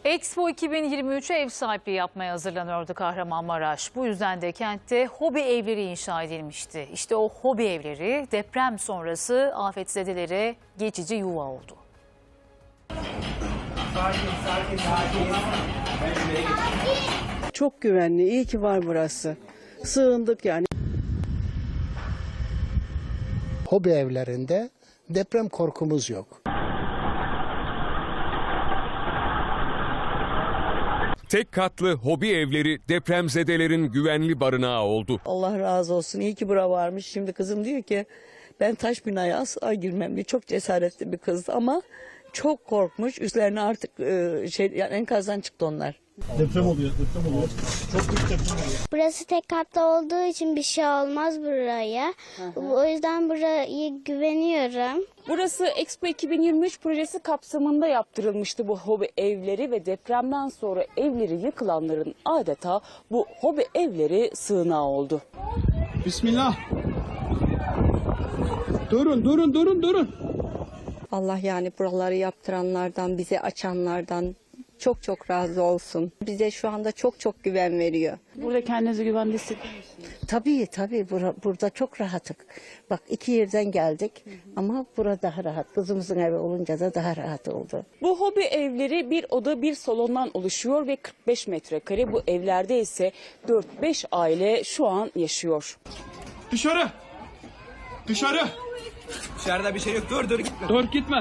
Expo 2023'e ev sahipliği yapmaya hazırlanıyordu Kahramanmaraş. Bu yüzden de kentte hobi evleri inşa edilmişti. İşte o hobi evleri deprem sonrası afetzedelere geçici yuva oldu. Çok güvenli, iyi ki var burası. Sığındık yani. Hobi evlerinde deprem korkumuz yok. Tek katlı hobi evleri depremzedelerin güvenli barınağı oldu. Allah razı olsun. İyi ki bura varmış. Şimdi kızım diyor ki ben taş binaya asla girmem diye. Çok cesaretli bir kız ama çok korkmuş. Üstlerine artık yani enkazdan çıktı onlar. Deprem oluyor. Çok büyük deprem oluyor. Burası tek katlı olduğu için bir şey olmaz buraya. O yüzden burayı güveniyorum. Burası Expo 2023 projesi kapsamında yaptırılmıştı bu hobi evleri ve depremden sonra evleri yıkılanların adeta bu hobi evleri sığınağı oldu. Bismillah. Durun. Allah yani buraları yaptıranlardan, bize açanlardan çok razı olsun. Bize şu anda çok güven veriyor. Burada kendinizi güvende hissediyor musunuz? Tabii burada çok rahattık. Bak 2 yerden geldik ama burada daha rahat. Kızımızın evi olunca da daha rahat oldu. Bu hobi evleri bir oda bir salondan oluşuyor ve 45 metrekare. Bu evlerde ise 4-5 aile şu an yaşıyor. Dışarı. Dışarıda bir şey yok. Dur gitme. Dur gitme.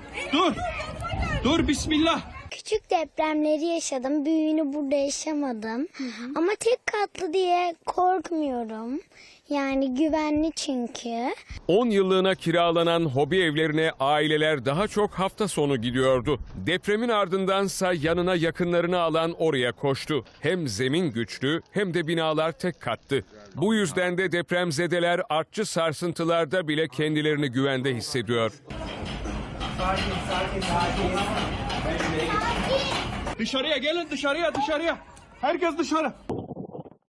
Dur bismillah. Küçük depremleri yaşadım. Büyüğünü burada yaşamadım. Ama tek katlı diye korkmuyorum. Yani güvenli çünkü. 10 yıllığına kiralanan hobi evlerine aileler daha çok hafta sonu gidiyordu. Depremin ardındansa yanına yakınlarını alan oraya koştu. Hem zemin güçlü hem de binalar tek kattı. Bu yüzden de depremzedeler artçı sarsıntılarda bile kendilerini güvende hissediyor. Dışarıya gelin dışarıya. Herkes dışarı.